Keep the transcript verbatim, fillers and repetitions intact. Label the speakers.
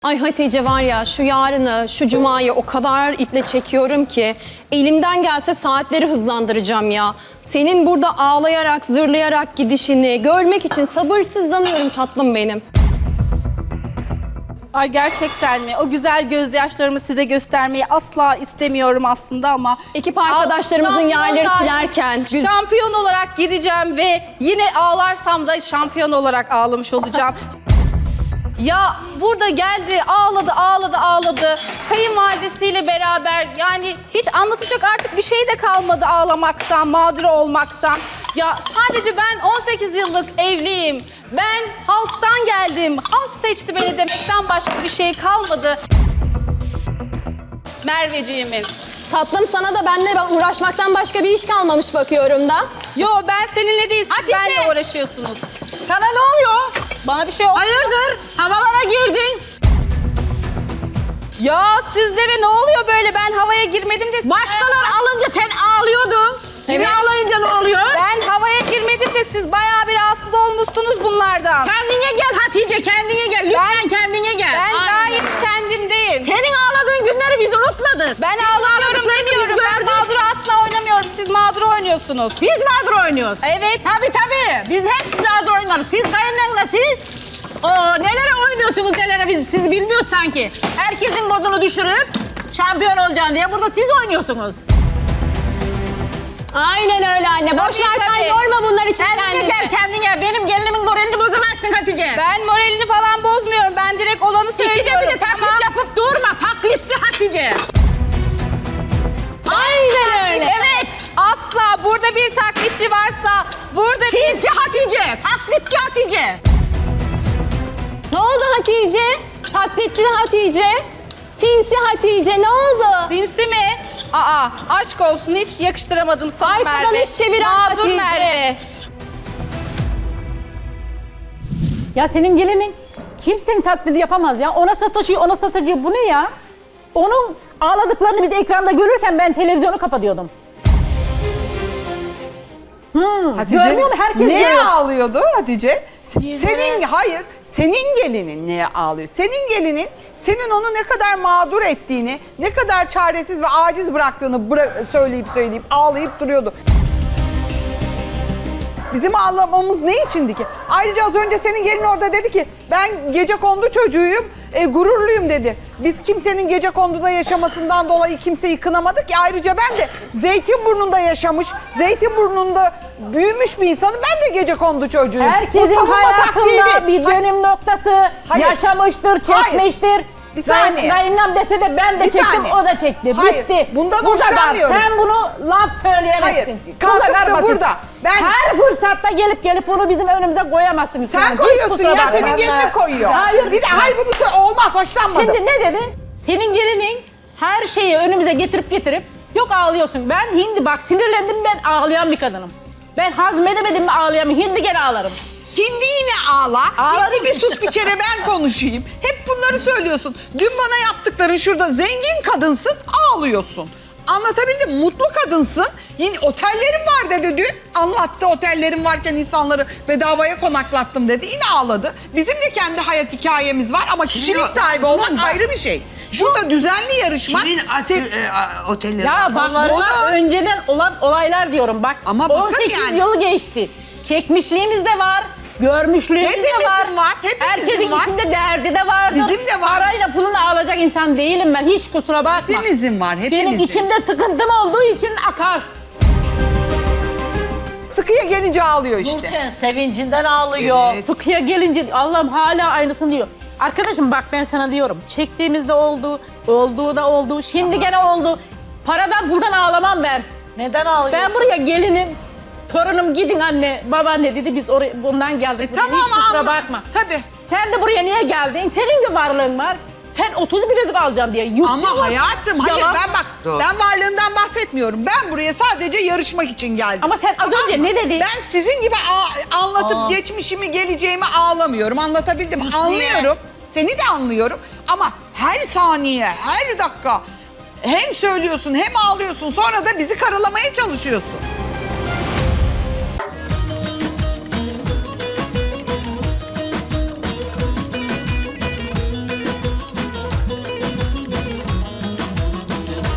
Speaker 1: Ay Hatice var ya şu yarını, şu cumayı o kadar iple çekiyorum ki elimden gelse saatleri hızlandıracağım ya. Senin burada ağlayarak, zırlayarak gidişini görmek için sabırsızlanıyorum tatlım benim.
Speaker 2: Ay gerçekten mi? O güzel gözyaşlarımı size göstermeyi asla istemiyorum aslında ama...
Speaker 1: Ekip arkadaşlarımızın yerleri
Speaker 2: Şampiyon-
Speaker 1: silerken...
Speaker 2: Şampiyon olarak gideceğim ve yine ağlarsam da şampiyon olarak ağlamış olacağım. Ya burada geldi, ağladı, ağladı, ağladı. Kayınvalidesiyle beraber yani hiç anlatacak artık bir şey de kalmadı ağlamaktan, mağdur olmaktan. Ya sadece ben on sekiz yıllık evliyim. Ben halktan geldim. Halk seçti beni demekten başka bir şey kalmadı. Merveciğimin.
Speaker 1: Tatlım sana da benimle uğraşmaktan başka bir iş kalmamış bakıyorum da.
Speaker 2: Yo ben seninle değil, siz
Speaker 3: Hatice!
Speaker 2: benimle uğraşıyorsunuz.
Speaker 3: Sana ne oluyor?
Speaker 2: Bana bir şey oldu.
Speaker 3: Hayırdır? Havalara girdin.
Speaker 2: Ya sizlere ne oluyor böyle? Ben havaya girmedim de...
Speaker 3: Başkaları alınca sen ağlıyordun. Kimi
Speaker 2: Evet.
Speaker 3: ağlayınca ne oluyor?
Speaker 2: Ben havaya girmedim de siz bayağı bir rahatsız olmuşsunuz bunlardan.
Speaker 3: Kendine gel Hatice, kendine gel. Lütfen kendine gel.
Speaker 2: Ben
Speaker 3: Aynen.
Speaker 2: gayet kendimdeyim.
Speaker 3: Senin ağladığın günleri biz unutmadık.
Speaker 2: Ben
Speaker 3: Bizim
Speaker 2: ağlamıyorum
Speaker 3: ağladıklarını biz
Speaker 2: demiyorum. Ben
Speaker 3: gördük.
Speaker 2: mağduru asla oynamıyorum. Siz mağduru oynuyorsunuz.
Speaker 3: Biz mağdur oynuyoruz.
Speaker 2: Evet.
Speaker 3: Tabii tabii. Biz hep mağdur oynuyoruz. Siz kayınlarla siz. Oo, nelere oynuyorsunuz nelere biz siz bilmiyoruz sanki. Herkesin modunu düşürüp şampiyon olacaksın diye burada siz oynuyorsunuz.
Speaker 1: Aynen öyle anne. Boş
Speaker 2: Tabii,
Speaker 1: ver sen
Speaker 2: tabii.
Speaker 1: yorma bunlar için
Speaker 3: Kendine
Speaker 1: kendini.
Speaker 3: gel kendine. Benim gelinimin moralini bozamazsın Hatice.
Speaker 2: Ben moralini falan bozmuyorum. Ben direkt olanı söylüyorum.
Speaker 3: İkide bir de taklit
Speaker 2: Ama
Speaker 3: yapıp durma. Taklitli Hatice.
Speaker 1: Aynen öyle.
Speaker 3: Evet.
Speaker 2: asla burada bir taklitçi varsa, burada bir...
Speaker 3: Çiğnci Hatice. Taklitçi Hatice.
Speaker 1: Ne oldu Hatice? Taklitçi Hatice? Sinsi Hatice ne oldu?
Speaker 2: Sinsi mi? Aa, aşk olsun hiç yakıştıramadım sana
Speaker 1: Arkadan
Speaker 2: Merve.
Speaker 1: iş çeviren
Speaker 2: Mağdur
Speaker 1: Hatice.
Speaker 2: Merve.
Speaker 4: Ya senin gelinin kimsenin taklidi yapamaz ya. Ona sataşıyor, ona sataşıyor. Bu ne ya? Onun ağladıklarını biz ekranda görürken ben televizyonu kapatıyordum. Hmm, görmüyor mu? Herkes
Speaker 5: neye
Speaker 4: görüyor.
Speaker 5: ağlıyordu Hatice? Senin, hayır, senin gelinin neye ağlıyor? Senin gelinin senin onu ne kadar mağdur ettiğini, ne kadar çaresiz ve aciz bıraktığını bıra- söyleyip söyleyip ağlayıp duruyordu. Bizim ağlamamız ne içindi ki? Ayrıca az önce senin gelin orada dedi ki ben gecekondu çocuğuyum, e, gururluyum dedi. Biz kimsenin gecekonduda yaşamasından dolayı kimseyi kınamadık ki. Ayrıca ben de Zeytinburnu'nda yaşamış, Zeytinburnu'nda büyümüş bir insanım. Ben de gecekondu çocuğuyum. Bu
Speaker 4: Herkesin
Speaker 5: savunma taktiği
Speaker 4: hayatında
Speaker 5: değil.
Speaker 4: bir dönüm noktası
Speaker 5: Hayır.
Speaker 4: yaşamıştır, çekmiştir.
Speaker 5: Bir saniye.
Speaker 4: Kayınlam dese de ben de
Speaker 5: Bir
Speaker 4: çektim,
Speaker 5: saniye.
Speaker 4: o da çekti.
Speaker 5: Hayır,
Speaker 4: Bitti.
Speaker 5: bundan
Speaker 4: Bu kadar.
Speaker 5: hoşlanmıyorum.
Speaker 4: Sen bunu laf söyleyemezsin.
Speaker 5: Hayır,
Speaker 4: Bu
Speaker 5: kalkıp
Speaker 4: kadar
Speaker 5: da
Speaker 4: basit.
Speaker 5: burada ben-
Speaker 4: Her fırsatta gelip gelip onu bizim önümüze koyamazsın.
Speaker 5: Sen
Speaker 4: Hiç
Speaker 5: koyuyorsun
Speaker 4: kusura
Speaker 5: ya,
Speaker 4: bakma.
Speaker 5: senin gelini koyuyor.
Speaker 4: Hayır.
Speaker 5: Bir de hayır bunu söyle- olmaz, hoşlanmadım.
Speaker 4: Şimdi ne dedi? Senin gelinin her şeyi önümüze getirip getirip yok ağlıyorsun. Ben hindi bak sinirlendim, ben ağlayan bir kadınım. Ben hazmedemedim mi ağlayamam. Hindi gene ağlarım.
Speaker 5: Hindi yine ağla.
Speaker 4: Ağladım
Speaker 5: Hindi bir
Speaker 4: işte.
Speaker 5: sus bir kere ben konuşayım. Hep bunları söylüyorsun. Dün bana yaptıkların şurada zengin kadınsın ağlıyorsun. Anlatabildim mi? Mutlu kadınsın. Yine otellerim var dedi dün. Anlattı otellerim varken insanları bedavaya konaklattım dedi. Yine ağladı. Bizim de kendi hayat hikayemiz var ama kişilik sahibi olmak ayrı bir şey. Şurada düzenli yarışmak.
Speaker 6: Kimin atı,
Speaker 5: Sen-
Speaker 6: e, a- otelleri?
Speaker 4: Ya bak
Speaker 5: Onlar-
Speaker 4: bunlar
Speaker 5: O da-
Speaker 4: önceden olan olaylar diyorum bak.
Speaker 5: Ama bakın
Speaker 4: on sekiz
Speaker 5: yani.
Speaker 4: yıl geçti. Çekmişliğimiz de var. Görmüşlüğümüz de
Speaker 5: Hepimizin
Speaker 4: var.
Speaker 5: var, hepimizin
Speaker 4: Herkesin
Speaker 5: var.
Speaker 4: içinde derdi de vardır.
Speaker 5: Bizim de var.
Speaker 4: Parayla pulunu alacak insan değilim ben. Hiç kusura bakma.
Speaker 5: Hepimizin var, hepimizin.
Speaker 4: Benim içimde sıkıntım olduğu için akar.
Speaker 5: Sıkıya gelince ağlıyor işte.
Speaker 7: Nurten sevincinden ağlıyor.
Speaker 6: Evet.
Speaker 4: Sıkıya gelince Allah'ım hala aynısını diyor. Arkadaşım bak ben sana diyorum. Çektiğimizde oldu, olduğu da oldu, şimdi gene oldu. Paradan buradan ağlamam ben.
Speaker 7: Neden ağlıyorsun?
Speaker 4: Ben buraya gelinim. Torunum gidin anne, babaanne dedi biz oraya bundan geldik.
Speaker 5: E
Speaker 4: buraya.
Speaker 5: tamam,
Speaker 4: Hiç kusura
Speaker 5: anla-
Speaker 4: bakma.
Speaker 5: Tabii.
Speaker 4: Sen de buraya niye geldin? Senin de varlığın var. Sen otuz bilezik alacaksın diye. Yüklü
Speaker 5: Ama
Speaker 4: var.
Speaker 5: hayatım hayır
Speaker 4: Yalan.
Speaker 5: ben bak
Speaker 6: Doğru.
Speaker 5: ben varlığından bahsetmiyorum. Ben buraya sadece yarışmak için geldim.
Speaker 4: Ama sen az önce ne dedin?
Speaker 5: Ben sizin gibi a- anlatıp geçmişimi geleceğimi ağlamıyorum. Anlatabildim mi? Anlıyorum. Seni de anlıyorum. Ama her saniye, her dakika hem söylüyorsun hem ağlıyorsun sonra da bizi karalamaya çalışıyorsun.